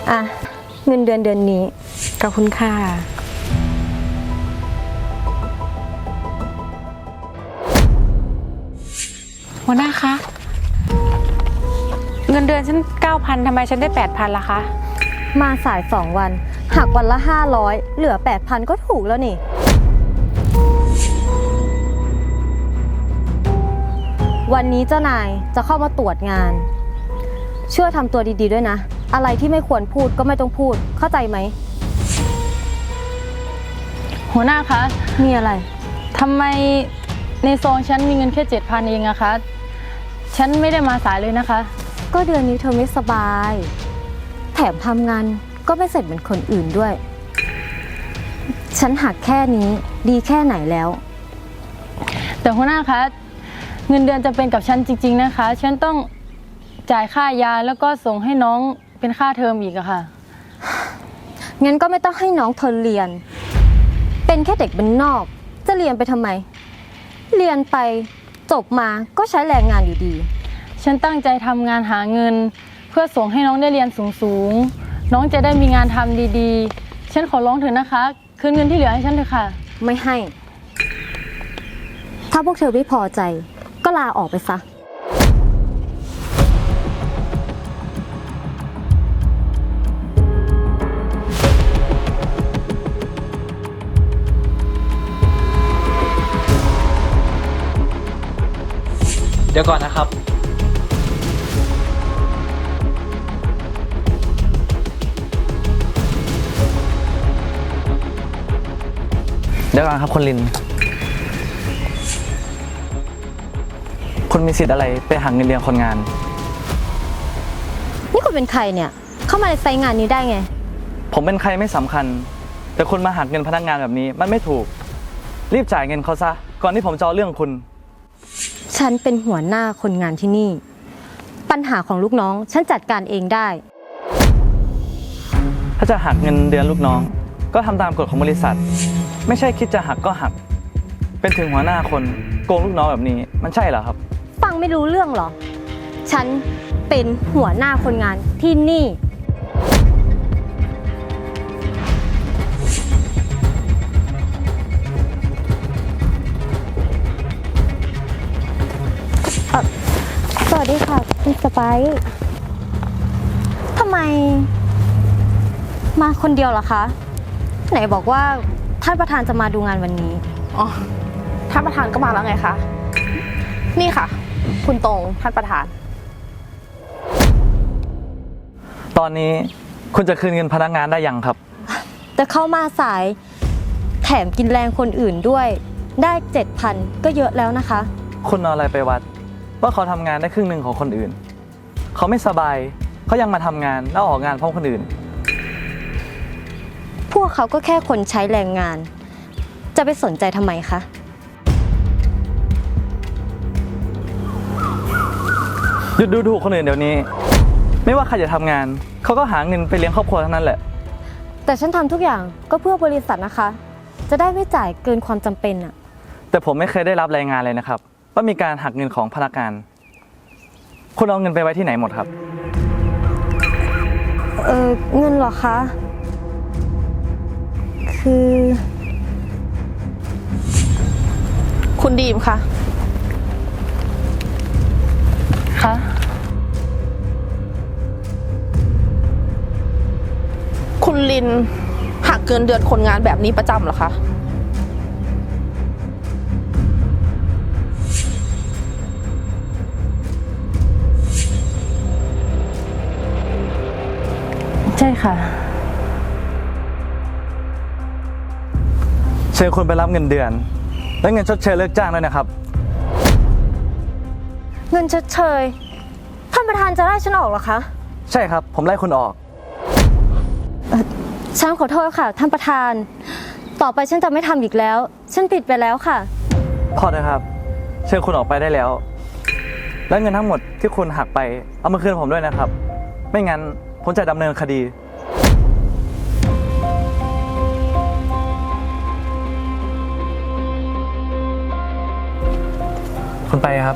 อ่ะเงินเดือนนี้ขอบคุณค่ะหัวหน้าคะเงินเดือนฉัน 9,000 ทำไมฉันได้ 8,000ล่ะคะมาสาย2 วันหักวันละ500เหลือ 8,000 ก็ถูกแล้วนี่วันนี้เจ้านายจะเข้ามาตรวจงานช่วยทำตัวดีๆด้วยนะอะไรที่ไม่ควรพูดก็ไม่ต้องพูดเข้าใจไหมหัวหน้าคะมีอะไรทำไมในซองฉันมีเงินแค่ 7,000 เองอะคะฉันไม่ได้มาสายเลยนะคะก็เดือนนี้เธอไม่สบายแถมทำงานก็ไม่เสร็จเหมือนคนอื่นด้วยฉันหักแค่นี้ดีแค่ไหนแล้วแต่หัวหน้าคะเงินเดือนจะเป็นกับฉันจริงๆนะคะฉันต้องจ่ายค่ายาแล้วก็ส่งให้น้องเป็นค่าเทอมอีกอะค่ะงั้นก็ไม่ต้องให้น้องเธอเรียนเป็นแค่เด็กบ้านนอกจะเรียนไปทำไมเรียนไปจบมาก็ใช้แรงงานอยู่ดีฉันตั้งใจทำงานหาเงินเพื่อส่งให้น้องได้เรียนสูงๆน้องจะได้มีงานทำดีๆฉันขอร้องเถอะนะคะคืนเงินที่เหลือให้ฉันเถอะค่ะไม่ให้ถ้าพวกเธอไม่พอใจก็ลาออกไปซะเดี๋ยวก่อนนะครับคุณลินคุณมีสิทธิ์อะไรไปหักเงินเดือนคนงานนี่คุณเป็นใครเนี่ยเข้ามาในไซต์งานนี้ได้ไงผมเป็นใครไม่สำคัญแต่คุณมาหักเงินพนักงานแบบนี้มันไม่ถูกรีบจ่ายเงินเขาซะก่อนที่ผมจะเอาเรื่องคุณฉันเป็นหัวหน้าคนงานที่นี่ปัญหาของลูกน้องฉันจัดการเองได้ถ้าจะหักเงินเดือนลูกน้องก็ทำตามกฎของบริษัทไม่ใช่คิดจะหักก็หักเป็นถึงหัวหน้าคนโกงลูกน้องแบบนี้มันใช่เหรอครับฟังไม่รู้เรื่องเหรอฉันเป็นหัวหน้าคนงานที่นี่สวัสดีค่ะคุณสไปซ์ทำไมมาคนเดียวเหรอคะไหนบอกว่าท่านประธานจะมาดูงานวันนี้อ๋อท่านประธานก็มาแล้วไงคะนี่ค่ะคุณตรงท่านประธานตอนนี้คุณจะคืนเงินพนักงานได้ยังครับแต่เข้ามาสายแถมกินแรงคนอื่นด้วยได้ 7,000 ก็เยอะแล้วนะคะคุณเอาอะไรไปวัดว่าเขาทำงานได้ครึ่งหนึ่งของคนอื่นเขาไม่สบายเขายังมาทำงานแล้วออกงานพร้อมคนอื่นพวกเขาก็แค่คนใช้แรงงานจะไปสนใจทำไมคะหยุดดูถูกคนอื่นเดี๋ยวนี้ไม่ว่าใครจะทำงานเขาก็หาเงินไปเลี้ยงครอบครัวเท่านั้นแหละแต่ฉันทำทุกอย่างก็เพื่อบริษัทนะคะจะได้ไม่จ่ายเกินความจำเป็นอะแต่ผมไม่เคยได้รับรายงานเลยนะครับว่ามีการหักเงินของพนักงานคุณเอาเงินไปไว้ที่ไหนหมดครับเงินเหรอคะคือคุณดีมคะคะคุณลินหักเงินเดือนคนงานแบบนี้ประจำเหรอคะใช่ค่ะเชิญคุณไปรับเงินเดือนและเงินชดเชยเลิกจ้างด้วยนะครับเงินชดเชยท่านประธานจะไล่ฉันออกเหรอคะใช่ครับผมไล่คุณออกฉันขอโทษค่ะท่านประธานต่อไปฉันจะไม่ทำอีกแล้วฉันผิดไปแล้วค่ะพอนะครับเชิญคุณออกไปได้แล้วและเงินทั้งหมดที่คุณหักไปเอามาคืนผมด้วยนะครับไม่งั้นผมจะดำเนินคดีคุณไปครับ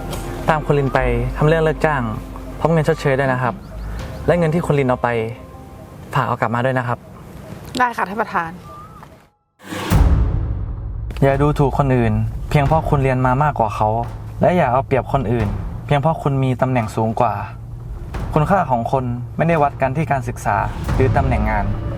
ตามคุณลินไปทำเรื่องเลิกจ้างพร้อมเงินชดเชยด้วยนะครับและเงินที่คุณลินเอาไปฝากเอากลับมาด้วยนะครับได้ค่ะท่านประธานอย่าดูถูกคนอื่น เพียงเพราะคุณเรียนมามากกว่าเขา และอย่าเอาเปรียบคนอื่น เพียงเพราะคุณมีตำแหน่งสูงกว่า คุณค่าของคนไม่ได้วัดกันที่การศึกษาหรือตำแหน่งงาน